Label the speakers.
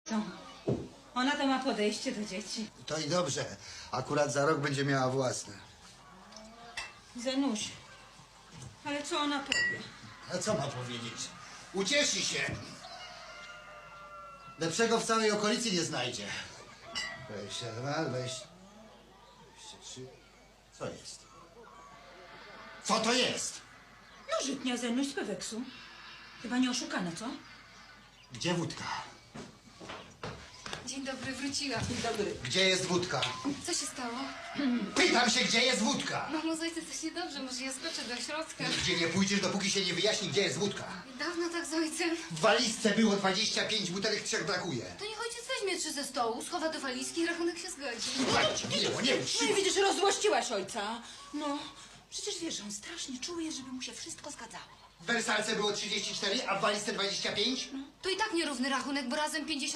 Speaker 1: Co? Ona to ma podejście do dzieci.
Speaker 2: To i dobrze. Akurat za rok będzie miała własne.
Speaker 1: Zenuś, ale co ona powie?
Speaker 2: A co ma powiedzieć? Ucieszy się. Lepszego w całej okolicy nie znajdzie. 22, 23. Co jest? Co to jest?
Speaker 1: No żytnia Zenuś z Peweksu. Chyba nie oszukana, co?
Speaker 2: Gdzie wódka?
Speaker 3: Dzień dobry, wróciłam.
Speaker 1: Dzień dobry.
Speaker 2: Gdzie jest wódka?
Speaker 3: Co się stało?
Speaker 2: Pytam się, gdzie jest wódka?
Speaker 3: Mamo, z ojcem coś niedobrze, może ja skoczę do środka.
Speaker 2: Nigdzie nie pójdziesz, dopóki się nie wyjaśni, gdzie jest wódka.
Speaker 3: Dawno tak z ojcem.
Speaker 2: W walizce było 25 butelek, 3 brakuje.
Speaker 3: To niech ojciec weźmie 3 ze stołu, schowa do walizki i rachunek się zgodzi.
Speaker 2: Słuchajcie, nie
Speaker 1: No
Speaker 2: uczciwa.
Speaker 1: i widzisz, rozzłościłaś ojca. No, przecież wiesz, że on strasznie czuje, żeby mu się wszystko zgadzało.
Speaker 2: W wersalce było 34, a w walizce 25?
Speaker 3: To i tak nierówny rachunek, bo razem 50.